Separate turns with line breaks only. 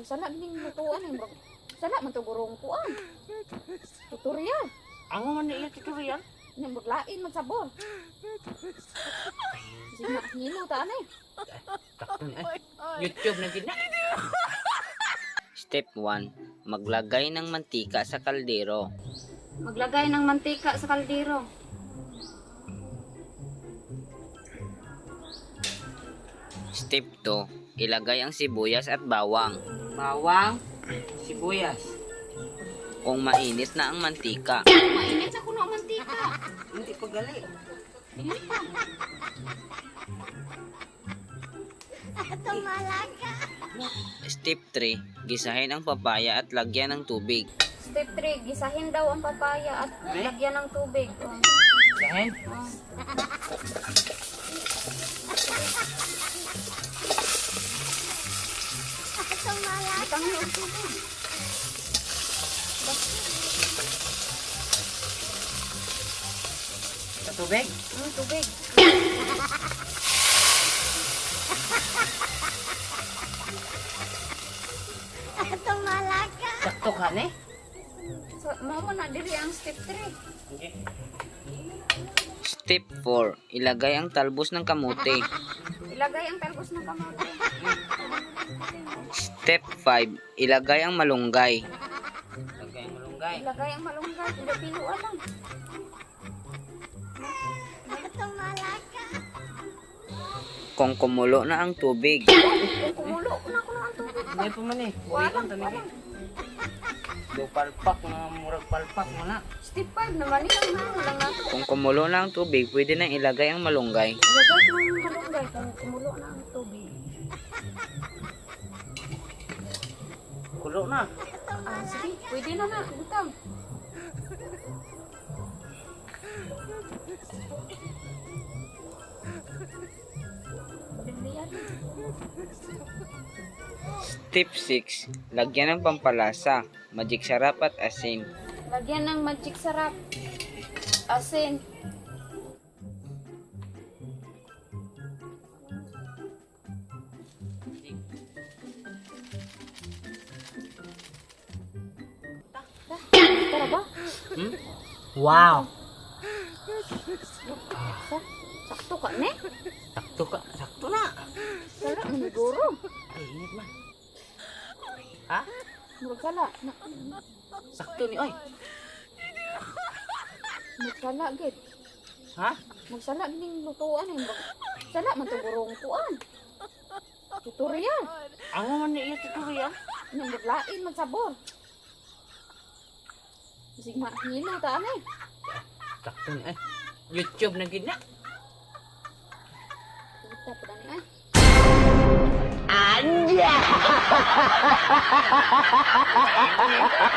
Sala ning lutuan eh. Sala man to gurong kuan. Tutorial.
Ang man na iya tutorial.
Ning lain man sabor. Sige na, hilo ta ani.
Takto ni YouTube na gid na.
Step 1. Maglagay ng mantika sa kaldero.
Maglagay ng mantika sa kaldero.
Step 2. Ilagay ang sibuyas at bawang.
Bawang, sibuyas.
Kung mainit na ang mantika,
Mainit sa kuno ang mantika.
Hindi pa gali.
Step 3. Gisahin ang papaya at lagyan ng tubig.
Step 3, gisahin daw ang papaya at lagyan ng tubig. Oh.
Sahin.
Oh. Itang yung tubig.
Sa tubig.
Tubig.
Sakto ka ni.
So, mo na diri ang step 3.
Okay.
Step 4. Ilagay ang talbos ng kamote.
Ilagay ang talbos ng kamote.
Step 5. Ilagay ang malunggay.
Lagay mo lunggay.
Ilagay ang malunggay. Hindi piluan lang.
Kung kumulo na ang tubig,
Kung kumulo na ako ng tubig.
Hindi pa man eh.
Walang,
Buhikan to ni.
walang.
Do palpak mga murag palpak mo na.
Step 5 naman yun. Walang nato.
kung kumulo na ang tubig, pwede na ilagay ang malunggay.
Ilagay ko ng malunggay kung kumulo na ang tubig.
Kulo na.
Sige, pwede na na. Butang. Pwede yan.
Step 6. Lagyan ng pampalasa, magic sarap at asin.
Lagyan ng magic sarap. Asin. Tara ba?
Wow.
Sakto ka, ne?
Sakto ka. Sakto na.
Sala, maniguro.
Ay, init man. Ha?
Murag sala.
Sakto ni. Oy.
Magsala, gid.
Ha?
Magsala, gining lutuan eh. Sala, man to gurong kuan. Tutorial.
Ang man na iya tutorial.
Nang lain man sabor. Sige ma, hilo ta ani.
Sakto ni. YouTube na gid na.
Kita pa dani ay.
Anja!